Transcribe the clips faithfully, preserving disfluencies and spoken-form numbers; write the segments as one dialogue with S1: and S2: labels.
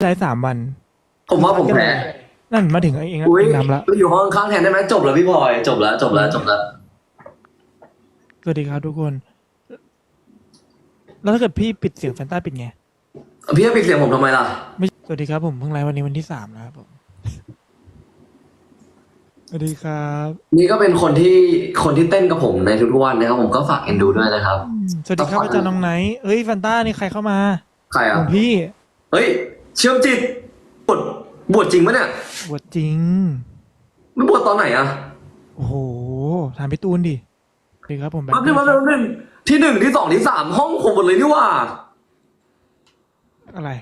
S1: ใช้สามวัน
S2: ผมว่าผมแพ้
S1: นั่นมาถึงเอง
S2: อุ้ย
S1: เองนำแล้ว
S2: อยู่ห้องข้างแทนได้ไหมจบแล้วพี่บอยจบแล้วจบแล้วจบแล้ว
S1: สวัสดีครับทุกคน แล้วถ้าเกิดพี่ปิดเสียงแฟนต้าปิดไง
S2: พี่จะปิดเสียงผมทำไมล่ะ
S1: ไม่สวัสดีครับผมเพิ่งไลฟ์วันนี้วันที่สามแล้วครับผมสวัสดีครับ
S2: นี่ก็เป็นคนที่คนที่เต้นกับผมในทุกๆวันนะครับผมก็ฝากเอ็นดูด้วยนะครับ
S1: สวัสดีครับอาจารย์น้องไนท์เอ้ยแฟนต้านี่ใครเข้ามา
S2: ใคร
S1: ข
S2: อ่ะ
S1: องพี่
S2: เฮ้ยเชื่อมจิตบวชบวชจริงปะเนี่ย
S1: บวชจริง
S2: ไม่บวชตอนไหนอ่ะ
S1: โอ้โหถามพี่ตูนดิสวัสดีครับผมแบบ
S2: แป๊บนึงแป๊บนึงแป๊บนึงที่หนึ่งที่สองที่สามห้องผมหมดเลยนี่หว่า
S1: อะไร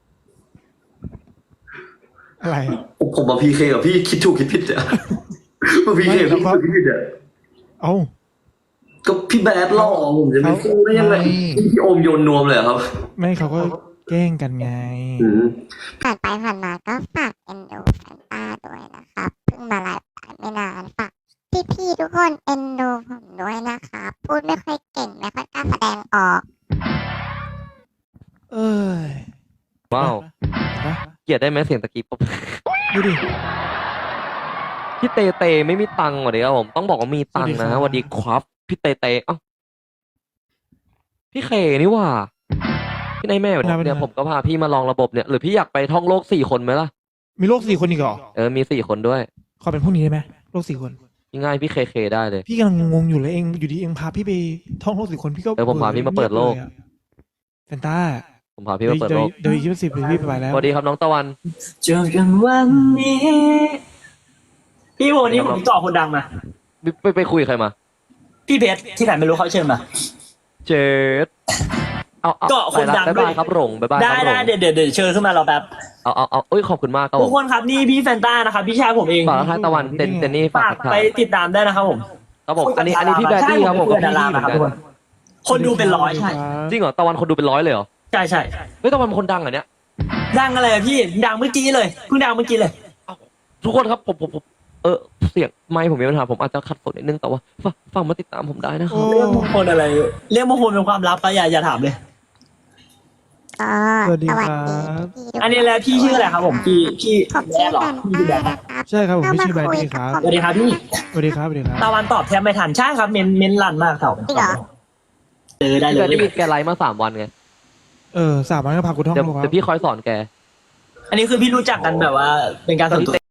S1: อะไร
S2: ผมผมมาพีเคกับพี่คิดถูกคิดผิดเนี่ยมาพีเคกับพี่คิดถูกคิดผิดเนี่ย
S1: เอ้า
S2: ก็พี่แบดหล่อผมจะไม่สู้ได้ยังไง
S1: ไม่
S2: พี่โอมโยนนวมเลยเหรอครับ
S1: ไม่เขาก็แกล้งกันไง
S2: อืม
S3: ผ่านไปผ่านมาก็ฝากเอ็นดูแฟนต้าด้วยนะครับเพิ่งมาไลฟ์ไปไม่นานฝากพี่ๆทุกคนเอ็นดูผมด้วยนะครับพูดไม่ค่อยเก่งไม่ค่อยกล้าแสดงออก
S1: เอ้ย
S4: ว้าว
S1: เห็นปะ
S4: เกลียดได้ไหมเสียงตะกี้ปุ๊บ
S1: ดูดิ
S4: พี่เตเตไม่มีตังค์ว่ะเดี๋ยวผมต้องบอกว่ามีตังค์นะ
S1: ส
S4: ส
S1: วั
S4: วั
S1: ส
S4: ส
S1: ดี
S4: ดี
S1: ค
S4: ครับ รับพี่เตเตเอ้าพี่เคนี่ว่าพี่นายแม่เนี่ยผมก็พาพี่มาลองระบบเนี่ยหรือพี่อยากไปท่องโลกสี่คนไหมล่ะ
S1: มีโรคสี่คนอีกเหรอ
S4: เออมีสี่คนด้วย
S1: ขอเป็นพวกนี้ได้ไหมโรคสี่คน
S4: ง่ายๆพี่เคเคได้เลย
S1: พี่กำลังงงอยู่เลยเองอยู่ดีเองพาพี่ไปท่องโลกสี่คนพี่ก็
S4: เออผมพาพี่มาเปิดโลก
S1: งียบยอะแฟนต้า
S4: ผมพาพี่มาเปิดโลก
S1: เดี๋ยวอีกยี่สิบพี่ไปแล้ว
S4: สวัสดีครับน้องตะวัน
S5: เจอกันวันนี้ พี่โมนี่ผมติดต่อคนดังมา
S4: ไปไปไปคุยกับใครมา
S5: พี่เพชรที่ไหนไม่รู้เขาเชิญมา
S4: เจดเอาเอา
S5: เกาะคนดัง
S4: บ๊าย
S5: ด้
S4: บา
S5: วย
S4: ยครับหลงบ๊ายบายค
S5: ได้
S4: รับหล
S5: ได้
S4: ง
S5: เดี๋ยวเดี๋ยวเดี๋ยวเชิญขึ้นมาเราแบบ
S4: เอาเอาเอาเอ้ยขอบคุณมากครับผ
S5: ทุก
S4: ม
S5: คนครับนี่พี่แฟนต้านะครับพี่ชายผมเอง
S4: ฝากทางตะวันเจนเจนนี่ฝา
S5: ฝาก ก
S4: ทัก
S5: ไป
S4: ทาย
S5: ติดตามได้นะครับผม
S4: ครับผมอันนี้อันนี้พี่แบดดี้ครับผม
S5: ใช่
S4: กับ
S5: เป็น
S4: พี่
S5: ดารา
S4: เหมือน
S5: ค
S4: กั
S5: รับ
S4: น
S5: ทุกคนคนดูเป็นร้อยใช่
S4: จริงเหรอตะวันคนดูเป็นร้อยเลยเหรอ
S5: ใช่ใช่
S4: เฮ้ยตะวันเป็นคนดังเหรอเนี่ย
S5: ดังอะไรอะพี่ดังเมื่อกี้เลยเพิ่งดังเมื่อกี้เลย
S4: ทุกคนครับผมผมผมเออเสียงไมค์ผมมีปัญหาผมอาจจะขัดฝนนิดนึงแต่ว่าฝากฟังมาติดตามผมได้นะค
S1: โอ้
S4: รับ
S5: เรื่องมงคลอะไรเรื่องมงคลเป็นความลับก็อย่าอย่าถามเลย
S3: ก็
S1: สวัสดี
S3: ส
S1: ค
S3: วั
S1: รั
S3: สดี
S1: บ
S3: พี่ๆทุก
S5: อันนี้แหละพี่ชื่ออะไรครับผมพี่พี่
S3: ผม
S5: แบ
S3: ชื่อ
S5: ดเหรอ
S3: แฟน
S5: พี่ชื่อแบ
S3: ต้า
S5: ด
S3: นะครับ
S1: ใช่ครับผม
S3: เข้า
S1: พี่
S3: มา
S1: ชื่อแบด
S3: คุย
S1: ดี้ค
S3: กับ
S1: รับ
S3: ผม
S5: สวัสดีครับพี่
S1: สวัสดีครับสวัสดีครับ
S5: ตะวันตอบแทบไม่ทันใช่ครับเมนเมนลั่นมากเต่า
S3: จริงเหรอ
S5: เจอได้เล
S4: แบ
S5: ย
S4: บนี้แกไลฟ์มาสามวันไง
S1: เออสามวันก็พากูท่อง
S4: เดี๋ยว
S1: โลกครั
S4: เดี๋
S1: บ
S4: ยวพี่คอยสอนแก
S5: อันนี้คือพี่รู้จักกันแบบว่าเป็นการส่วนตัว